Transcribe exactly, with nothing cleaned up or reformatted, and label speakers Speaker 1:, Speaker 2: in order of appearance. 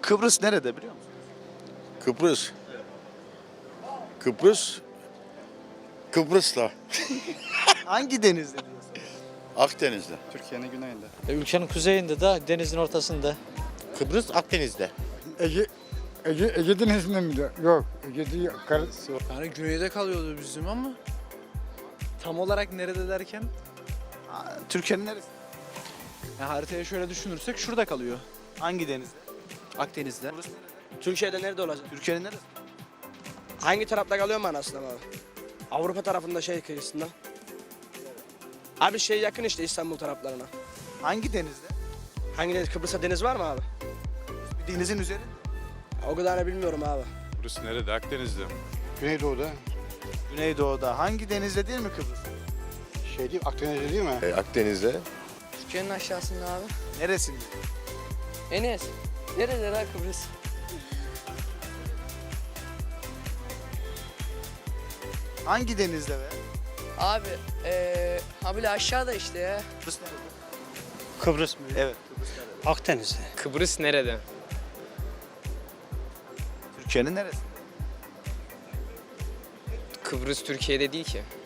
Speaker 1: Kıbrıs nerede biliyor musun?
Speaker 2: Kıbrıs. Kıbrıs. Kıbrıs'ta.
Speaker 1: Hangi denizde diyorsun?
Speaker 2: Akdeniz'de.
Speaker 3: Türkiye'nin güneyinde.
Speaker 4: E, Ülkenin kuzeyinde de denizin ortasında.
Speaker 5: Kıbrıs Akdeniz'de.
Speaker 6: Ege, Ege, Ege Denizi'nde mi? de- Yok, Ege değil. Kar,
Speaker 7: Yani güneyde kalıyordu bizim ama tam olarak nerede derken
Speaker 1: Aa, Türkiye'nin neresi?
Speaker 7: yani haritaya şöyle düşünürsek şurada kalıyor.
Speaker 1: Hangi denizde?
Speaker 7: Akdeniz'de.
Speaker 8: Türkiye'de nerede olacak?
Speaker 1: Türkiye'nin neresi?
Speaker 8: Hangi tarafta kalıyor mu anasını abi? Avrupa tarafında şey kıyısında. Abi şey yakın işte İstanbul taraflarına.
Speaker 1: Hangi denizde?
Speaker 8: Hangi deniz? Kıbrıs'ta deniz var mı abi?
Speaker 1: Bir denizin üzerinde.
Speaker 8: O kadarını bilmiyorum abi.
Speaker 9: Burası nerede? Akdeniz'de.
Speaker 6: Güneydoğu'da.
Speaker 1: Güneydoğu'da. Hangi denizde değil mi Kıbrıs?
Speaker 6: Şey değil, Akdeniz'de değil mi?
Speaker 5: E, Akdeniz'de.
Speaker 10: Türkiye'nin aşağısında abi.
Speaker 1: Neresinde?
Speaker 10: Enes. Nerede lan Kıbrıs?
Speaker 1: Hangi denizde be?
Speaker 10: Abi eee ha bile aşağıda işte ya.
Speaker 1: Kıbrıs nerede?
Speaker 4: Kıbrıs mı?
Speaker 1: Evet. Kıbrıs nerede?
Speaker 4: Akdeniz'de.
Speaker 11: Kıbrıs nerede?
Speaker 1: Türkiye'nin neresi?
Speaker 11: Kıbrıs Türkiye'de değil ki.